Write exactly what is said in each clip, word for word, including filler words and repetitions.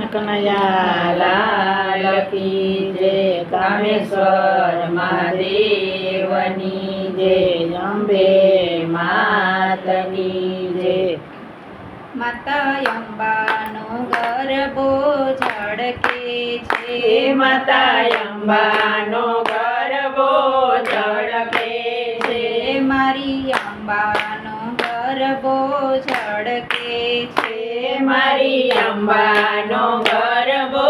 કનૈયા લાલ કી જય, કામેશ્વર મહાદેવની જય, અંબે માતની જય. માતા અંબાનો ગરબો ઝળકે છે, માતા અંબાનો ગરબો ઝળકે છે, મારી અંબાનો ગરબો ઝળકે છે, મારી અંબાનો ગરબો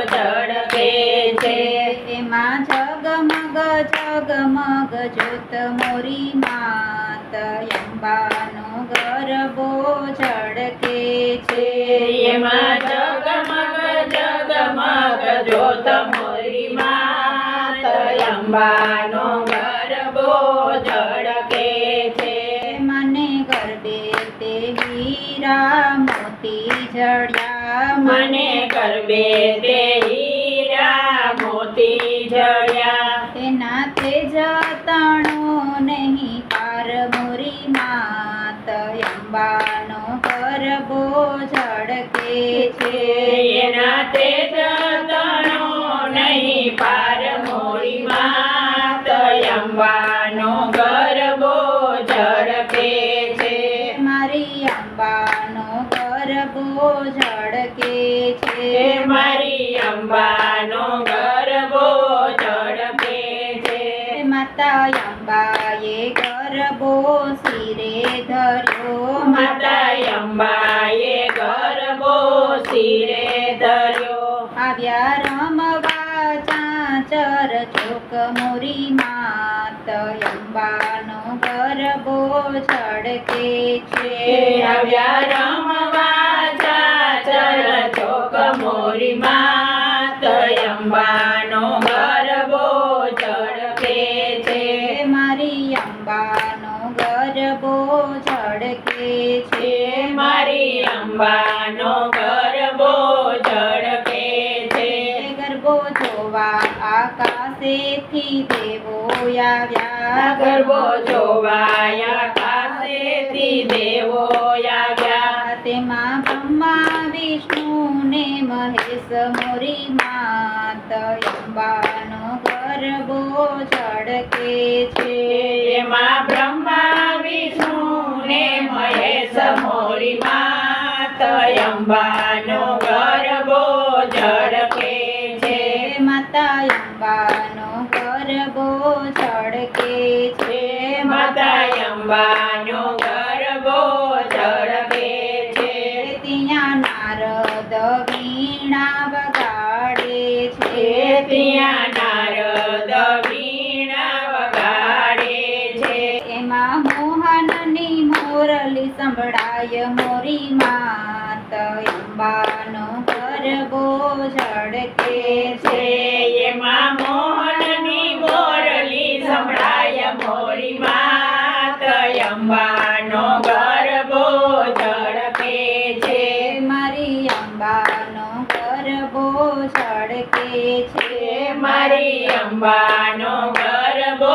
ઝળકે છે. એમાં જગમગ જગમગ જ્યોત મોરી માત અંબાનો ગરબો ઝળકે છે, એમાં જગમગ જગમગ જ્યોત મોરી માત અંબાનો ગરબો ઝળકે છે. મને ગરબે તે હીરા મોતી જડ્યા, મને ગરબે તે હીરા મોતી જડ્યા, તેના તેજ તણો નહીં પાર મોરી માત અંબાનો ગરબો ઝળકે છે, એના તેજ તણો નહીં પાર મોરી માત અંબાનો ગરબો ઝળકે છે. મારી અંબાનો ગરબો ઝળકે છે, મારી અંબાનો ગરબો ઝળકે છે. માતા અંબાએ ગરબો શિરે ધર્યો, માતા અંબાએ ગરબો શિરે ધર્યો, આવ્યા રમવા ચાચર ચોક મોરી માત અંબાનો ગરબો ઝળકે છે, આવ્યા રમવા ચાચર ચોક મોરી માત અંબાનો ગરબો ઝળકે છે. મારી અંબાનો ગરબો ઝળકે છે, મારી અંબાનો ગરબો ઝળકે છે. ગરબો જોવા આકાશેથી દેવો આવ્યા, ગરબો જોવાયા કાશેથી દેવો આવ્યા, તેમાં બ્રહ્મા વિષ્ણુ ને મહેશ મોરી માત અંબાનો ગરબો ઝળકે છે, એમાં બ્રહ્મા વિષ્ણુ ને મહેશ મોરી માત અંબાનો ગરબો ઝળકે છે. માતા અંબાનો ગરબો ઝળકે છે, માતા અંબાનો ગરબો ઝળકે છે. ત્યાં નારદ વીણા વગાડે છે, ત્યાં નારદ વીણા વગાડે છે, એમાં મોહનની મોરલી સંભળાય મોરી માત અંબાનો ગરબો ઝળકે છે, એમાં મોહનની મોરલી સંભળાય મોરી માત અંબાનો ગરબો ઝળકે છે, મારી અંબાનો ગરબો ઝળકે છે, મારી અંબાનો ગરબો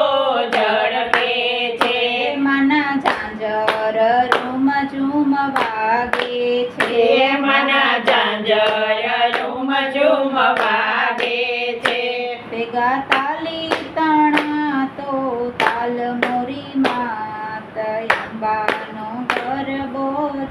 ઝળકે છે, માના ઝાંઝર રૂમ ઝૂમ વાગે છે, મના ઝાંઝર ઝૂમ ઝૂમ વાગે છે, ભેગા તાલી તણા તો તાલ મોરી માત અંબાનો ગરબો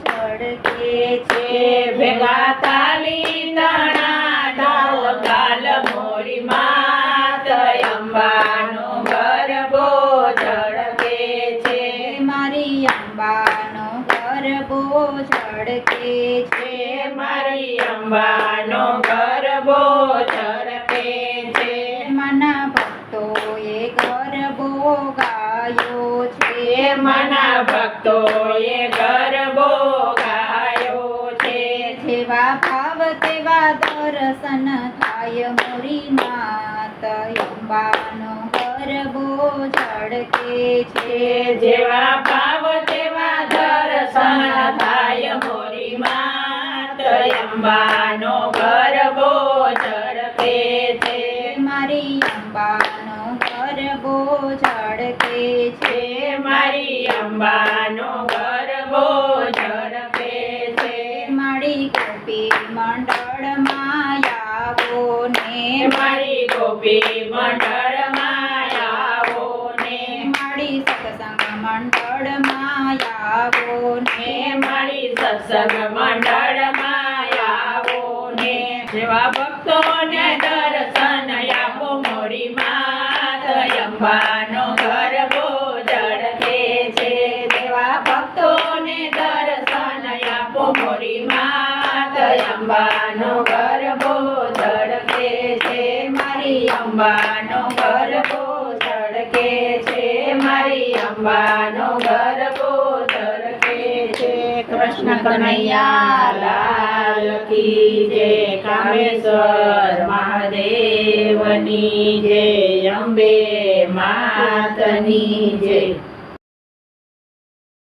ઝળકે છે, ભેગા તાલી તણા ઢોલ તાલ મોરી માત અંબાનો ગરબો ઝળકે છે, મારી અંબાનો ગરબો ઝળકે છે, મારી અંબાનો ગરબો ઝળકે છે, મના ભક્તોએ ગરબો ગાયો છે, મના ભક્તોએ ગરબો ગાયો છે, જેવા ભાવ તેવા દર્શન થાય મોરી માત અંબાનો ગરબો ઝળકે છે, જેવા ભાવ તેવા દર્શન થાય મોરી માત અંબાનો ગરબો ઝળકે છે, મારી અંબાનો ગરબો ઝળકે છે, મારી અંબાનો ગરબો ઝળકે છે, મારી ગોપી મંડળમાં મારી ગોપી મંડળમાં આવો ને મારી સત્સંગ મંડળમાં આવો ને મારી સત્સંગ મંડળમાં આવો ને જેવા ભક્તોને દર્શન આપો મોરી માત અંબાનો ગરબો ઝળકે છે જેવા ભક્તોને દર્શન આપો મોરી માત અંબાનો ગરબો ઝળકે છે મારી અંબાનો ગરબો ઝળકે છે મારી અંબાનો ગરબો ઝળકે છે કૃષ્ણ કનૈયા લાલ કી જય કામેશ્વર મહાદેવની જય અંબે માતની જય